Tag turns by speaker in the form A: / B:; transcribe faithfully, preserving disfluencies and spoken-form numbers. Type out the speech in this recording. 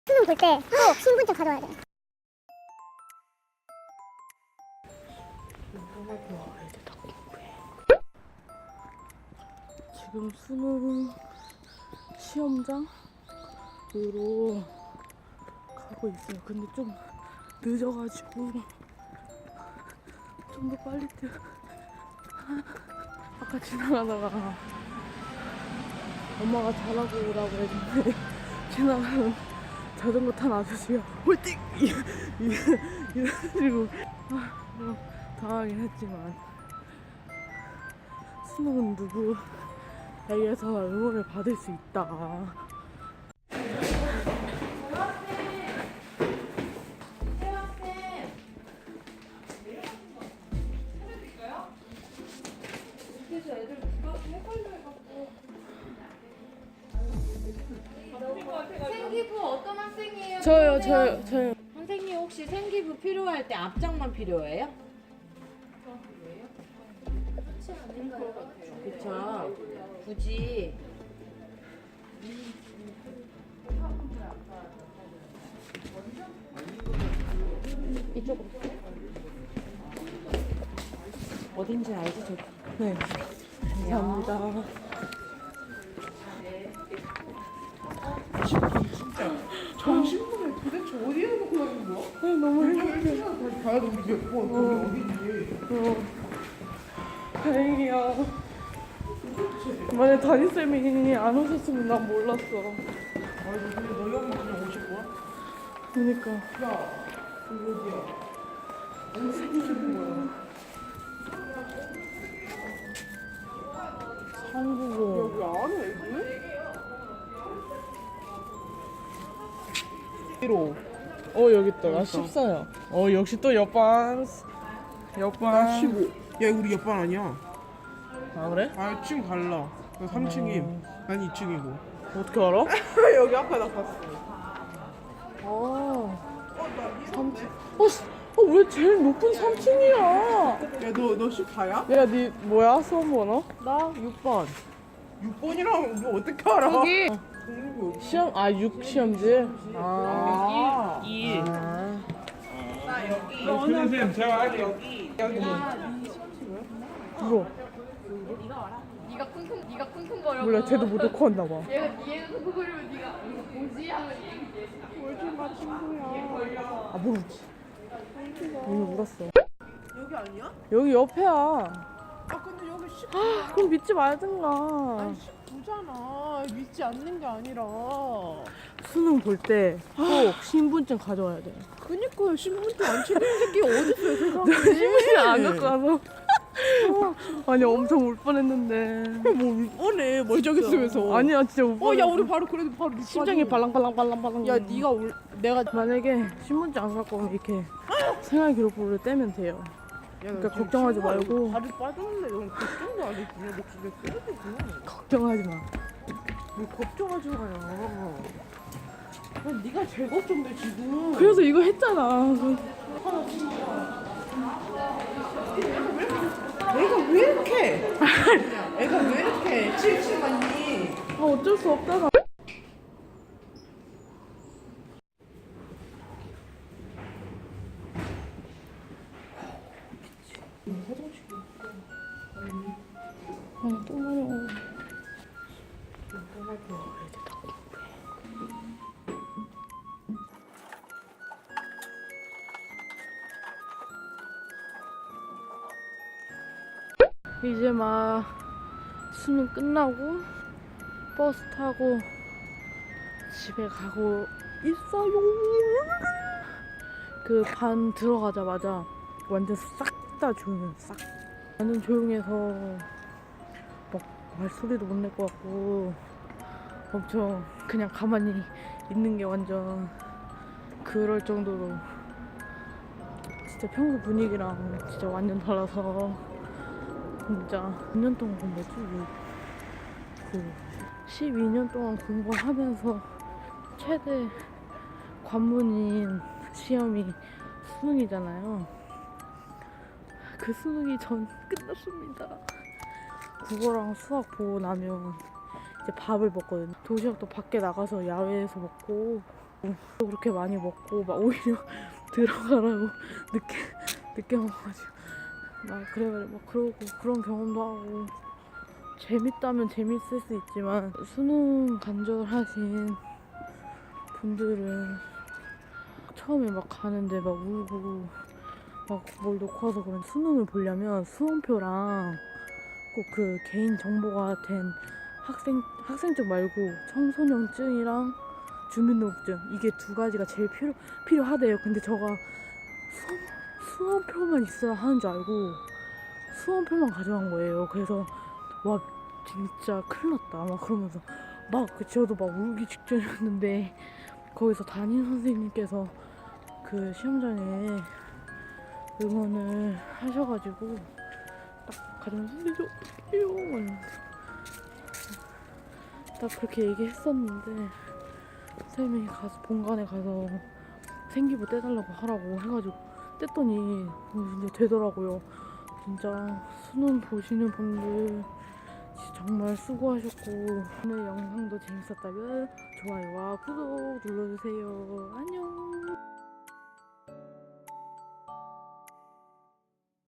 A: 수능 볼 때 꼭 신분증 가져와야 돼.
B: 지금 수능 시험장으로 가고 있어요. 근데 좀 늦어가지고 좀 더 빨리 뛰어. 아까 지나가다가 엄마가 잘하고 오라고 했는데 지나가는 자전거 탄 아저씨가 홀띵! 이래가지고 아, 좀 당하긴 했지만 수능은 누구에게서 응원을 받을 수 있다.
C: 생기부 어떤 학생이에요?
B: 저요, 저요, 저요.
C: 선생님 혹시 생기부 필요할 때 앞장만 필요해요? 그쵸. 굳이. 이쪽으로. 어딘지 알지? 저.
B: 네. 감사합니다.
D: 정신분을 도대체 어디에 놓고 다니는 거야?
B: 네, 너무 행복해.
D: 다시 가야 돼, 우리 몇 번, 거기 어디지?
B: 어, 다행이야. 만약 담임쌤이 안 오셨으면 난 몰랐어.
D: 아니, 근데 너희 엄마 그냥 오실 거야?
B: 그니까.
D: 야, 여기 어디야? 어디 생기는 거야?
B: 한국어.
D: 여기 안에 애들? 로
B: 어, 여기 있다. 나 십사야. 어, 역시 또 옆반. 옆반.
D: 십오. 야, 우리 옆반 아니야.
B: 아, 그래?
D: 아, 층 달라. 나 삼 층임. 난 이 층이고.
B: 어떻게 알아?
D: 여기 앞에 나 봤어.
B: 아, 삼 층. 어, 씨, 어, 왜 제일 높은 삼 층이야?
D: 야, 너, 너 십사야?
B: 야, 니 뭐야? 수험 번호? 나 육 번.
D: 육 번이랑 뭐 어떻게 알아?
B: 여기.
D: 공부 여기.
B: 시험, 아, 육 시험지? 아.
D: 이.
B: 아.
E: 선생님 제가 할게요.
B: 울어.
C: 네가 쿵쿵 네가 쿵쿵거려.
B: 몰라, 쟤도 못 놓고 왔나 봐.
C: 얘가 얘가 쿵쿵거리면 네가 이거 뭐지 하면 얘기해.
B: 아, 모르지. 오늘 울었어.
D: 여기 아니야?
B: 여기 옆에야.
D: 아, 근데 여기 십구.
B: 그럼 믿지 말든가.
D: 아니, 십구잖아. 믿지 않는 게 아니라.
B: 수능 볼 때 꼭 신분증 가져와야 돼.
D: 그니까요, 신분증 안 챙기는 새끼 어딨어요, 세상에.
B: 신분증 안 갖고 와서. 아니, 엄청 울 뻔했는데.
D: 뭐, 뻔해. 멀쩡히 쓰면서.
B: 아니야, 진짜 울
D: 어,
B: 뻔했어.
D: 야, 우리 바로 그래도 바로 밑
B: 심장이 발랑발랑발랑발랑.
D: 야, 네가 올, 내가.
B: 만약에 신분증 안 갖고 오면 이렇게 생활 기록부를 떼면 돼요. 그러니까 걱정하지 말고.
D: 다리 빠졌는데 넌 걱정도 안 해. 그냥 목숨에 쓰러지구나.
B: 걱정하지 마.
D: 왜 걱정하지 마요. 난 네가 제일 걱정돼, 지금.
B: 그래서 이거 했잖아.
D: 애가 왜 이렇게? 애가 왜 이렇게 칠칠하니?
B: 아, 어쩔 수 없잖아. 아, 또 마려워. 이제 막 수능 끝나고 버스 타고 집에 가고 있어요. 그 반 들어가자마자 완전 싹 다 조용해. 싹. 완전 조용해서 막 말소리도 못 낼 것 같고 엄청 그냥 가만히 있는 게 완전 그럴 정도로 진짜 평소 분위기랑 진짜 완전 달라서 진짜 몇 년 동안 공부했지? 그 십이 년 동안 공부하면서 최대 관문인 시험이 수능이잖아요. 그 수능이 전 끝났습니다. 국어랑 수학 보고 나면 이제 밥을 먹거든요. 도시락도 밖에 나가서 야외에서 먹고 그렇게 많이 먹고 막 오히려 들어가라고 늦게 늦게 먹어가지고 막 그래 막 그러고 그런 경험도 하고 재밌다면 재밌을 수 있지만 수능 간절하신 분들은 처음에 막 가는데 막 울고 막 뭘 놓고 와서 그런 수능을 보려면 수험표랑 꼭 그 개인 정보가 된 학생 학생증 말고 청소년증이랑 주민등록증 이게 두 가지가 제일 필요 필요하대요. 근데 저가 수험 수험표만 있어야 하는 줄 알고 수험표만 가져간 거예요. 그래서 와 진짜 큰일 났다 막 그러면서 막 저도 막 울기 직전이었는데 거기서 담임 선생님께서 그 시험 전에 응원을 하셔가지고 딱 가져온 선생님 저 어떡해요 이러면서 딱 그렇게 얘기했었는데 선생님이 가서 본관에 가서 생기부 떼달라고 하라고 해가지고 뗐더니 진짜 되더라고요. 진짜 수능 보시는 분들 정말 수고하셨고 오늘 영상도 재밌었다면 좋아요와 구독 눌러주세요. 안녕.